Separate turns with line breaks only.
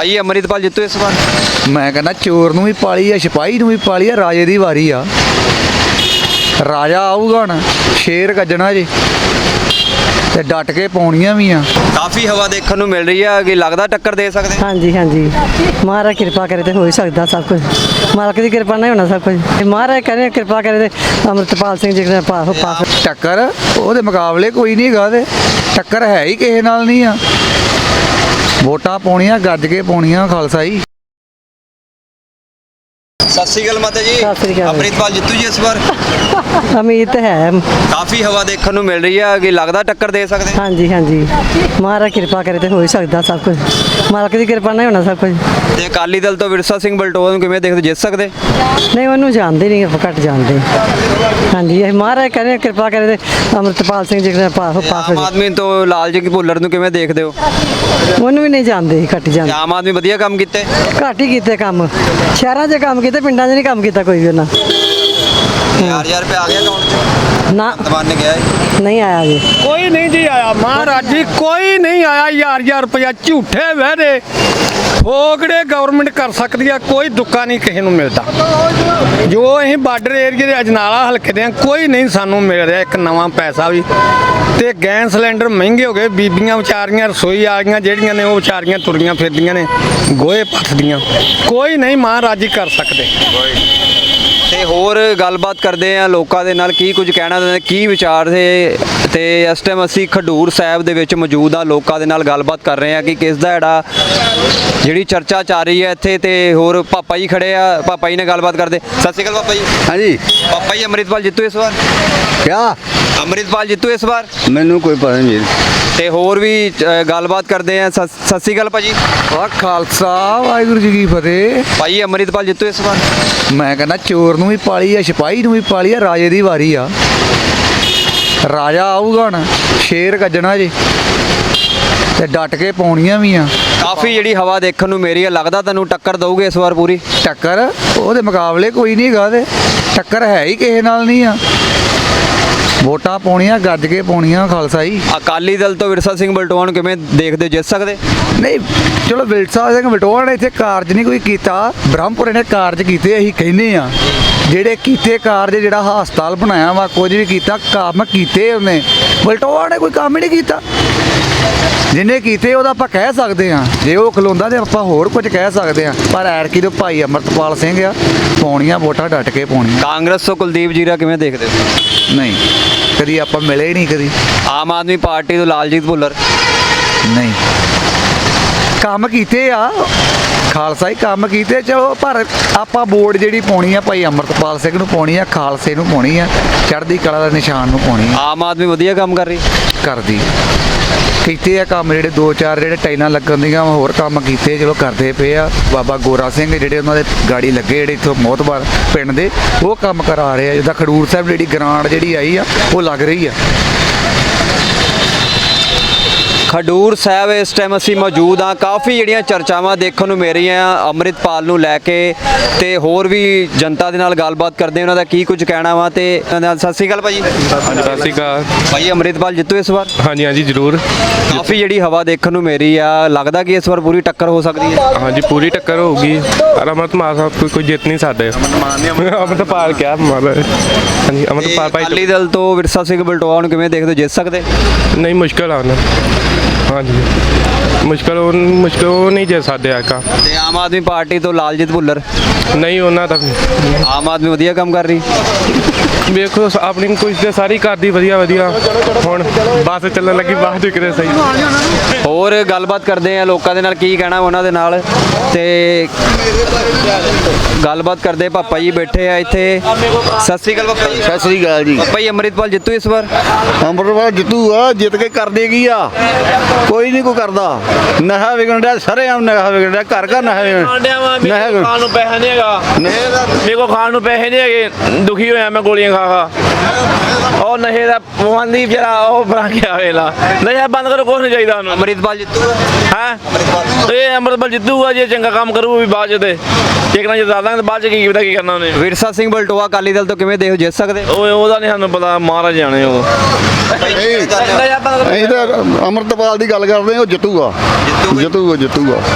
ਭਾਈ ਅਮਰਿਤਪਾਲ ਜਿੱਤੂ ਇਸ ਵਾਰ?
ਮੈਂ ਕਹਿੰਦਾ ਚੋਰ ਨੂੰ ਵੀ ਪਾਲੀ ਆ, ਸਿਪਾਹੀ ਨੂੰ ਵੀ ਪਾਲੀ ਆ, ਰਾਜੇ ਦੀ ਵਾਰੀ ਆ। ਰਾਜਾ ਆਊਗਾ ਹੁਣ, ਸ਼ੇਰ ਗੱਜਣਾ ਜੀ ਤੇ ਡਟ ਕੇ ਪਾਉਣੀਆਂ ਵੀ ਆ।
ਕਾਫੀ ਹਵਾ ਦੇਖਣ ਨੂੰ ਮਿਲ ਰਹੀ ਹੈ ਕਿ ਲੱਗਦਾ ਟੱਕਰ ਦੇ ਸਕਦੇ?
ਹਾਂਜੀ ਹਾਂਜੀ, ਮਹਾਰਾਜ ਕਿਰਪਾ ਕਰੇ ਤੇ ਹੋ ਹੀ ਸਕਦਾ ਸਭ ਕੁਝ। ਮਾਲਕ ਦੀ ਕਿਰਪਾ ਨਾਲ ਹੋਣਾ ਸਭ ਕੁਝ। ਮਹਾਰਾਜ ਕਰੇ ਕਿਰਪਾ ਕਰੇ ਤੇ ਅੰਮ੍ਰਿਤਪਾਲ ਸਿੰਘ ਜੀ ਦਾ ਪਾਸ।
ਟੱਕਰ ਉਹਦੇ ਮੁਕਾਬਲੇ ਕੋਈ ਨਹੀਂ ਹੈਗਾ, ਤੇ ਟੱਕਰ ਹੈ ਹੀ ਕਿਸੇ ਨਾਲ ਨਹੀਂ ਆ। ਵੋਟਾਂ ਪਾਉਣੀਆਂ ਗੱਜ ਕੇ ਪਾਉਣੀਆਂ ਖਾਲਸਾ ਜੀ।
ਸਤਿ ਸ਼੍ਰੀ ਅਕਾਲ ਮਾਤਾ ਜੀ।
ਸਤਿ ਸ਼੍ਰੀ ਅਕਾਲ।
ਅਮਰਿਤਪਾਲ ਜਿੱਤੂ ਜੀ ਇਸ ਵਾਰ?
ਉਮੀਦ ਹੈ।
ਕਾਫੀ ਹਵਾ ਦੇਖਣ ਨੂੰ ਮਿਲ ਰਹੀ ਹੈ ਕਿ ਲੱਗਦਾ ਟੱਕਰ ਦੇ ਸਕਦੇ?
ਹਾਂਜੀ ਹਾਂਜੀ, ਮਹਾਰਾਜ ਕਿਰਪਾ ਕਰੇ ਤੇ ਹੋ ਹੀ ਸਕਦਾ ਸਭ ਕੁਝ। ਮਾਲਕ ਦੀ ਕਿਰਪਾ ਨਾਲ ਹੋਣਾ ਸਭ ਕੁਝ।
ਤੇ ਅਕਾਲੀ ਦਲ ਤੋਂ ਵਿਰਸਾ ਸਿੰਘ ਬਲਟੋਆ ਨੂੰ ਕਿਵੇਂ ਦੇਖਦੇ, ਜਿੱਤ ਸਕਦੇ?
ਨਹੀਂ, ਉਹਨੂੰ ਜਾਣਦੇ ਨਹੀਂ, ਆਪਾਂ ਘੱਟ ਜਾਣਦੇ। ਹਾਂਜੀ, ਇਹ ਮਹਾਰਾਜ ਕਰੇ ਕਿਰਪਾ ਕਰੇ ਤੇ ਅੰਮ੍ਰਿਤਪਾਲ ਸਿੰਘ ਜੀ ਦਾ ਪਾਸ
ਆਮ ਆਦਮੀ ਤੋਂ ਲਾਲ ਜੀ ਭੁੱਲਰ ਨੂੰ ਕਿਵੇਂ ਦੇਖਦੇ ਹੋ?
ਉਹਨੂੰ ਵੀ ਨਹੀਂ ਜਾਣਦੇ, ਘੱਟ ਜਾਣਦੇ।
ਆਮ ਆਦਮੀ ਵਧੀਆ ਕੰਮ ਕੀਤੇ?
ਘੱਟ ਹੀ ਕੀਤੇ ਕੰਮ। ਸ਼ਹਿਰਾਂ 'ਚ ਕੰਮ ਕੀਤੇ, ਪਿੰਡਾਂ 'ਚ ਨਹੀਂ ਕੰਮ ਕੀਤਾ ਕੋਈ ਵੀ ਉਹਨਾਂ।
1000 ਰੁਪਏ ਆ ਗਿਆ ਅਕਾਊਂਟ 'ਚ?
ਨਾ,
ਦਵਾਨ ਗਿਆ
ਨਹੀਂ ਆਇਆ ਜੀ।
ਕੋਈ ਨਹੀਂ ਜੀ ਆਇਆ ਮਹਾਰਾਜ ਜੀ, ਕੋਈ ਨਹੀਂ ਆਇਆ। 1000 ਰੁਪਇਆ ਝੂਠੇ ਵਹਿਦੇ ਫੋਗੜੇ ਗਵਰਨਮੈਂਟ ਕਰ ਸਕਦੀ ਆ, ਕੋਈ ਦੁੱਕਾ ਨਹੀਂ ਕਿਸੇ ਨੂੰ ਮਿਲਦਾ। ਜੋ ਅਸੀਂ ਬਾਰਡਰ ਏਰੀਏ ਦੇ ਅਜਨਾਲਾ ਹਲਕੇ ਦੇ ਆ, ਕੋਈ ਨਹੀਂ ਸਾਨੂੰ ਮਿਲ ਰਿਹਾ ਇੱਕ ਨਵਾਂ ਪੈਸਾ ਵੀ। ਤੇ ਗੈਸ ਸਿਲੰਡਰ ਮਹਿੰਗੇ ਹੋ ਗਏ, ਬੀਬੀਆਂ ਵਿਚਾਰੀਆਂ ਰਸੋਈ ਆ ਗਈਆਂ ਜਿਹੜੀਆਂ ਨੇ, ਉਹ ਵਿਚਾਰੀਆਂ ਤੁਰੀਆਂ ਫਿਰਦੀਆਂ ਨੇ ਗੋਹੇ ਪੱਥਦੀਆਂ। ਕੋਈ ਨਹੀਂ ਮਹਾਰਾਜ ਜੀ ਕਰ ਸਕਦੇ।
ਤੇ ਹੋਰ ਗੱਲਬਾਤ ਕਰਦੇ ਆ ਲੋਕਾਂ ਦੇ ਨਾਲ, ਕੀ ਕੁਝ ਕਹਿਣਾ ਦਿੰਦੇ, ਕੀ ਵਿਚਾਰ ਤੇ ਇਸ ਟਾਈਮ ਅਸੀਂ ਖਡੂਰ ਸਾਹਿਬ ਦੇ ਵਿੱਚ ਮੌਜੂਦ ਆ, ਲੋਕਾਂ ਦੇ ਨਾਲ ਗੱਲਬਾਤ ਕਰ ਰਹੇ ਆ ਕਿ ਕਿਸ ਦਾ ਜਿਹੜੀ ਚਰਚਾ ਚੱਲ ਰਹੀ ਹੈ ਇੱਥੇ। ਤੇ ਹੋਰ ਪਾਪਾ ਜੀ ਖੜੇ ਆ, ਪਾਪਾ ਜੀ ਨਾਲ ਗੱਲਬਾਤ ਕਰਦੇ। ਸਤਿ ਸ਼੍ਰੀ ਅਕਾਲ ਪਾਪਾ ਜੀ।
ਹਾਂਜੀ,
ਪਾਪਾ ਜੀ ਅਮਰਿਤਪਾਲ ਜਿੱਤੂ ਇਸ ਵਾਰ?
ਕਿਆ
ਅਮਰਿਤਪਾਲ ਜਿੱਤੂ ਇਸ ਵਾਰ?
ਮੈਨੂੰ ਕੋਈ ਪਤਾ ਨਹੀਂ।
ਤੇ ਹੋਰ ਵੀ ਗੱਲਬਾਤ ਕਰਦੇ ਆ। ਸਤਿ ਸ਼੍ਰੀ ਅਕਾਲ ਭਾਜੀ।
ਵਾਹ ਖਾਲਸਾ, ਵਾਹਿਗੁਰੂ ਜੀ ਕੀ ਫਤਿਹ।
ਭਾਈ ਅਮਰਿਤਪਾਲ ਜਿੱਤੂ ਇਸ ਵਾਰ?
ਮੈਂ ਕਹਿੰਦਾ ਚੋਰ ਨੂੰ ਵੀ ਪਾਲੀ ਆ, ਸਿਪਾਹੀ ਨੂੰ ਵੀ ਪਾਲੀ ਆ, ਰਾਜੇ ਦੀ ਵਾਰੀ ਆ। ਰਾਜਾ ਆਊਗਾ ਹੁਣ, ਸ਼ੇਰ ਗੱਜਣਾ ਜੀ ਤੇ ਡਟ ਕੇ ਪਾਉਣੀਆਂ ਵੀ ਆ।
ਕਾਫੀ ਜਿਹੜੀ ਹਵਾ ਦੇਖਣ ਨੂੰ ਮੇਰੀ ਹੈ, ਲੱਗਦਾ ਤੁਹਾਨੂੰ ਟੱਕਰ ਦਊਗੇ ਇਸ ਵਾਰ ਪੂਰੀ?
ਟੱਕਰ ਉਹਦੇ ਮੁਕਾਬਲੇ ਕੋਈ ਨਹੀਂ ਹੈਗਾ, ਤੇ ਟੱਕਰ ਹੈ ਹੀ ਕਿਸੇ ਨਾਲ ਨਹੀਂ ਆ। ਵੋਟਾਂ ਪਾਉਣੀਆਂ ਗੱਜ ਕੇ ਪਾਉਣੀਆਂ ਖਾਲਸਾ ਜੀ।
ਅਕਾਲੀ ਦਲ ਤੋਂ ਵਿਰਸਾ ਸਿੰਘ ਬਲਟੋਆ ਨੂੰ ਕਿਵੇਂ ਦੇਖਦੇ, ਜਿੱਤ ਸਕਦੇ?
ਨਹੀਂ ਚਲੋ, ਵਿਰਸਾ ਸਿੰਘ ਬਲਟੋਆ ਨੇ ਇੱਥੇ ਕਾਰਜ ਨਹੀਂ ਕੋਈ ਕੀਤਾ, ਬ੍ਰਹਮਪੁਰੇ ਨੇ ਕਾਰਜ ਕੀਤੇ। ਅਸੀਂ ਕਹਿੰਦੇ ਆ ਜਿਹੜੇ ਕੀਤੇ ਕਾਰਜ, ਜਿਹੜਾ ਹਸਪਤਾਲ ਬਣਾਇਆ ਵਾ, ਕੁਝ ਵੀ ਕੀਤਾ, ਕੰਮ ਕੀਤੇ ਉਹਨੇ। ਬਲਟੋਆ ਨੇ ਕੋਈ ਕੰਮ ਹੀ ਨਹੀਂ ਕੀਤਾ। ਜਿਹਨੇ ਕੀਤੇ ਉਹਦਾ ਆਪਾਂ ਕਹਿ ਸਕਦੇ ਹਾਂ, ਜੇ ਉਹ ਖਲੋਂਦਾ ਤੇ ਆਪਾਂ ਹੋਰ ਕੁਝ ਕਹਿ ਸਕਦੇ ਹਾਂ। ਪਰ ਐਰਕੀ ਦੇ ਭਾਈ ਅਮਰਤਪਾਲ ਸਿੰਘ ਆ, ਪਾਉਣੀਆਂ ਵੋਟਾਂ ਡਟ ਕੇ ਪਾਉਣੀਆਂ।
ਕਾਂਗਰਸ ਤੋਂ ਕੁਲਦੀਪ ਜੀਰਾ ਕਿਵੇਂ ਦੇਖਦੇ ਹੋ?
ਨਹੀਂ, ਕਦੀ ਆਪਾਂ ਮਿਲੇ ਹੀ ਨਹੀਂ ਕਦੀ।
ਆਮ ਆਦਮੀ ਪਾਰਟੀ ਤੋਂ ਲਾਲਜੀਤ ਭੁੱਲਰ?
ਨਹੀਂ, ਕੰਮ ਕੀਤੇ ਆ ਖਾਲਸਾ ਹੀ, ਕੰਮ ਕੀਤੇ ਚਲੋ। ਪਰ ਆਪਾਂ ਵੋਟ ਜਿਹੜੀ ਪਾਉਣੀ ਆ ਭਾਈ ਅਮਰਤਪਾਲ ਸਿੰਘ ਨੂੰ ਪਾਉਣੀ ਆ, ਖਾਲਸੇ ਨੂੰ ਪਾਉਣੀ ਆ, ਚੜ੍ਹਦੀ ਕਲਾ ਦਾ ਨਿਸ਼ਾਨ ਨੂੰ ਪਾਉਣੀ ਆ।
ਆਮ ਆਦਮੀ ਵਧੀਆ ਕੰਮ ਕਰ ਰਹੀ?
ਕਰਦੀ ਕੀਤੇ ਆ ਕੰਮ, ਜਿਹੜੇ 2-4 ਜਿਹੜੇ ਟਾਈਲਾਂ ਲੱਗਣ ਦੀਆਂ ਹੋਰ ਕੰਮ ਕੀਤੇ, ਚਲੋ ਕਰਦੇ ਪਏ ਆ। ਬਾਬਾ ਗੋਰਾ ਸਿੰਘ ਜਿਹੜੇ ਉਹਨਾਂ ਦੇ ਗਾੜੀ ਲੱਗੇ, ਜਿਹੜੇ ਇੱਥੋਂ ਮੋਹਤਬਾਰ ਪਿੰਡ ਦੇ, ਉਹ ਕੰਮ ਕਰਾ ਰਹੇ ਆ। ਜਿੱਦਾਂ ਖਡੂਰ ਸਾਹਿਬ ਜਿਹੜੀ ਗ੍ਰਾਂਟ ਜਿਹੜੀ ਆਈ ਆ, ਉਹ ਲੱਗ ਰਹੀ ਆ।
ਖਡੂਰ ਸਾਹਿਬ ਇਸ ਟਾਈਮ ਅਸੀਂ ਮੌਜੂਦ ਹਾਂ। ਕਾਫੀ ਜਿਹੜੀਆਂ ਚਰਚਾਵਾਂ ਦੇਖਣ ਨੂੰ ਮਿਲ ਰਹੀਆਂ ਅੰਮ੍ਰਿਤਪਾਲ ਨੂੰ ਲੈ ਕੇ, ਤੇ ਹੋਰ ਵੀ ਜਨਤਾ ਦੇ ਨਾਲ ਗੱਲਬਾਤ ਕਰਦੇ ਉਹਨਾਂ ਦਾ ਕੀ ਕੁਝ ਕਹਿਣਾ ਵਾ। ਤੇ ਸਤਿ ਸ਼੍ਰੀ ਅਕਾਲ ਭਾਜੀ।
ਹਾਂਜੀ, ਸਤਿ ਸ਼੍ਰੀ ਅਕਾਲ।
ਭਾਈ ਅਮਰਿਤਪਾਲ ਜਿੱਤੂ ਇਸ ਵਾਰ?
ਹਾਂਜੀ ਹਾਂਜੀ, ਜ਼ਰੂਰ।
ਕਾਫੀ ਜਿਹੜੀ ਹਵਾ ਦੇਖਣ ਨੂੰ ਮਿਲ ਰਹੀ ਆ, ਲੱਗਦਾ ਕਿ ਇਸ ਵਾਰ ਪੂਰੀ ਟੱਕਰ ਹੋ ਸਕਦੀ ਹੈ?
ਹਾਂਜੀ, ਪੂਰੀ ਟੱਕਰ ਹੋਊਗੀ। ਅਮਰਤਪਾਲ ਸਾਹਿਬ ਕੋਈ ਜਿੱਤ ਨਹੀਂ ਸਕਦੇ। ਅਮਰਤਪਾਲ ਕਿਆ ਮਾਰ। ਹਾਂਜੀ, ਅਮਰਤਪਾਲ ਭਾਈ।
ਅਕਾਲੀ ਦਲ ਤੋਂ ਵਿਰਸਾ ਸਿੰਘ ਬਲਟੋਆ ਨੂੰ ਕਿਵੇਂ ਦੇਖਦੇ, ਜਿੱਤ ਸਕਦੇ?
ਨਹੀਂ, ਮੁਸ਼ਕਿਲ ਆ ਉਹਨਾਂ। ਹਾਂਜੀ, ਮੁਸ਼ਕਿਲ ਉਹ ਨਹੀਂ ਜਿੱਤ ਸਕਦੇ ਆ।
ਤੇ ਆਮ ਆਦਮੀ ਪਾਰਟੀ ਤੋਂ ਲਾਲਜੀਤ ਭੁੱਲਰ?
ਨਹੀਂ, ਉਹਨਾਂ ਦਾ
ਆਮ ਆਦਮੀ ਵਧੀਆ ਕੰਮ ਕਰ ਰਹੀ?
ਵੇਖੋ, ਆਪਣੀ ਕੁਝ ਤੇ ਸਾਰੀ ਕਰਦੀ ਵਧੀਆ ਵਧੀਆ। ਹੁਣ ਬੱਸ ਚੱਲਣ ਲੱਗੀ, ਬਾਅਦ ਕਿਤੇ ਸਹੀ।
ਹੋਰ ਗੱਲਬਾਤ ਕਰਦੇ ਆ ਲੋਕਾਂ ਦੇ ਨਾਲ, ਕੀ ਕਹਿਣਾ ਉਹਨਾਂ ਦੇ ਨਾਲ। ਤੇ ਗੱਲਬਾਤ ਕਰਦੇ, ਪਾਪਾ ਜੀ ਬੈਠੇ ਆ ਇੱਥੇ। ਸਤਿ ਸ਼੍ਰੀ ਅਕਾਲ ਪਾਪਾ ਜੀ।
ਸਤਿ ਸ੍ਰੀ ਅਕਾਲ ਜੀ।
ਪਾਪਾ ਜੀ ਅਮਰਿਤਪਾਲ ਜਿੱਤੂ ਇਸ ਵਾਰ?
ਅੰਮ੍ਰਿਤਪਾਲ ਜਿੱਤੂ ਆ, ਜਿੱਤ ਕੇ ਕਰ ਦੇਗੀ ਆ। ਕੋਈ ਨਹੀਂ ਕੋਈ ਕਰਦਾ। ਨਸ਼ਾ ਵਿਕਣ ਡਿਆ, ਸਰੇਆਮ ਨਸ਼ਾ ਵਿਕਣ ਡਿਆ, ਘਰ ਘਰ ਨਸ਼ਾ ਵਿਕਣ।
ਖਾਣ ਨੂੰ ਪੈਸਾ ਨਹੀਂ ਹੈਗਾ, ਮੇਰੇ ਕੋਲ ਖਾਣ ਨੂੰ ਪੈਸੇ ਨਹੀਂ ਹੈਗੇ, ਦੁਖੀ ਹੋਇਆ ਮੈਂ ਗੋਲੀਆਂ ਖਾ ਖਾ। ਉਹ ਨਸ਼ੇ ਦਾ ਬੰਦੀ ਵਿਚਾਰਾ, ਉਹ ਬਣਾ ਕੇ ਆਵੇਲਾ। ਨਸ਼ਾ ਬੰਦ ਕਰੋ, ਕੁਛ ਨਹੀਂ ਚਾਹੀਦਾ ਉਹਨੂੰ।
ਅਮਰਿਤਪਾਲ ਜਿੱਤੂ
ਹੈ ਇਹ ਅੰਮ੍ਰਿਤਪਾਲ ਜਿੱਤੂਗਾ ਜੇ ਚੰਗਾ ਕੰਮ ਕਰੂ ਵੀ ਬਾਅਦ ਚ। ਤੇ ਇੱਕ ਨਾ ਜਿੱਤਾ ਦਾਂਗੇ, ਬਾਅਦ ਚ ਕੀ ਪਤਾ ਕੀ ਕਰਨਾ ਉਹਨੇ।
ਵਿਰਸਾ ਸਿੰਘ ਬਲਟੋਆ ਅਕਾਲੀ ਦਲ ਤੋਂ ਕਿਵੇਂ ਦੇਖੋ, ਜਿੱਤ ਸਕਦੇ?
ਉਹਦਾ ਨਹੀਂ ਸਾਨੂੰ ਪਤਾ, ਮਹਾਰਾਜ ਜਾਣੇ ਉਹ।
ਅਸੀਂ ਤਾਂ ਅੰਮ੍ਰਿਤਪਾਲ ਦੀ ਗੱਲ ਕਰਦੇ ਹਾਂ, ਉਹ ਜਿੱਤੂਗਾ। ਜਿੱਤੂਗਾ।